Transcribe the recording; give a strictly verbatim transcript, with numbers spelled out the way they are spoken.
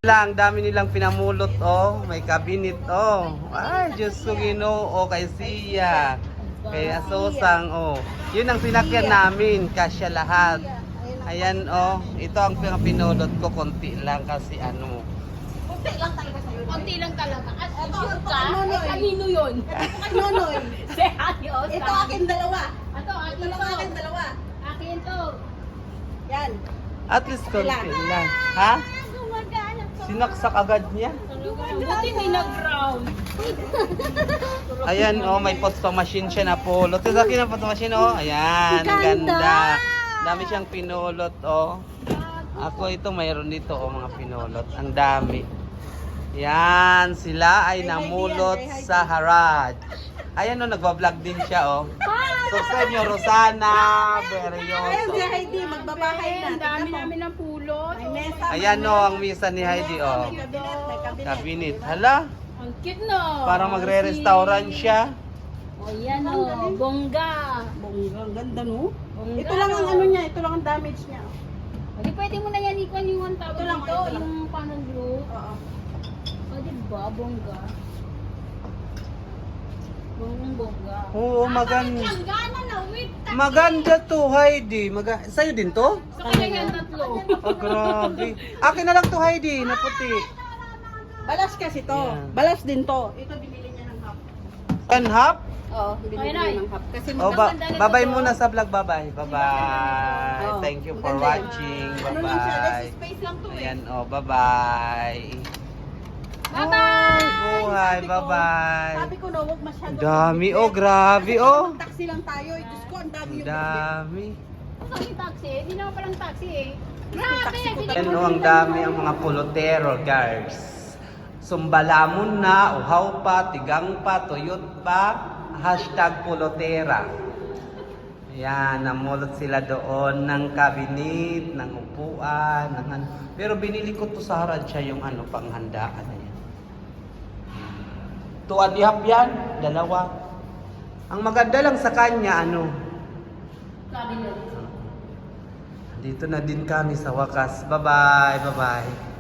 Lang, dami nilang pinamulot, oh. May cabinet, oh. Ay, Diyos ko Ginoo, kay Siya. Kay Asosang, oh. Yun ang sinakyan namin, kasya lahat. Ayan, oh. Ito ang pinapinulot ko, konti lang kasi ano. Konti lang talaga sa'yo. Konti lang talaga. At Ito, sure ito, ka? ano, Eh, kanino yun? Nonoy. Si Ate Oscar. Ito akin dalawa. Ito, akin Dalawa to. akin dalawa. Akin to. Yan. At least konti lang. Ha? Gumagana to. Sinaksak agad niya. Buti may nag-ground. Ayan, oh, may photo machine siya na pulot. Ito sa akin ang photo machine, oh. Ayan, ang ganda. Dami siyang pinulot, oh. Ako ito, mayroon dito, oh, mga pinulot. Ang dami. Yan, sila ay namulot sa Haraj. Ayan, oh, nagbablog din siya, oh. Subscribe nyo, Rosana Ayan si Berrioso. Heidi, magbabahay na. Ang dami namin ng pulot. May mesa. Ayan, oh, ang misa ni Heidi, oh. May kabinet, may kabinet. Cabinet. Hala, Ang cute no. parang magre-restaurant siya. O yan o, bongga. Bongga, ang ganda no? Bongga, Ito lang ang no? ano niya, ito lang ang damage niya. Hindi pwede mo na yan ikon yung ang tawag Ito lang, dito, ito lang. yung panang glue. Oo. O diba, bongga. Bonggang bongga. Oo, maganda. Ang gana na, wait. Maganda to, Heidi. Maga Sa'yo din to? Sa kanya yan tatlo. Oh, grabe. Akin na lang to, Heidi, na puti. Balas kasi to. Yan. Balas din to. Ito binili niya ng half. And half? Oo, binili Ay, niya Nay. ng half. Kasi Oh, ba Maganda na babay to. muna sa vlog. Bye-bye. Bye-bye. Oh, Thank you for maganda yan. watching. Ano lang siya, Bye-bye. less space lang to eh. Ayan, oh, bye-bye. Bye-bye! Buhay, Sabi ko- bye-bye. Sabi ko na, huwag masyado. Ang dami, oh, grabe, oh. Taxi lang tayo. eh. Diyos ko, ang dami Ang yung dami. Saan yung taxi? Hindi naman palang taxi eh. Grabe! taxi ko hindi Ayan, ko oh, ang dami ang mga pulotero, guys. Sumbalamon na, uhaw pa, tigang pa, tuyot pa, hashtag pulotera. Ayan, namulot sila doon ng cabinet, ng upuan, ng ano. Pero binili ko to sa Harad siya yung ano, panghandaan na yan. Tuan ihap yan, dalawa. Ang maganda lang sa kanya, ano, Cabinet. dito na din kami sa wakas. Bye-bye, bye-bye.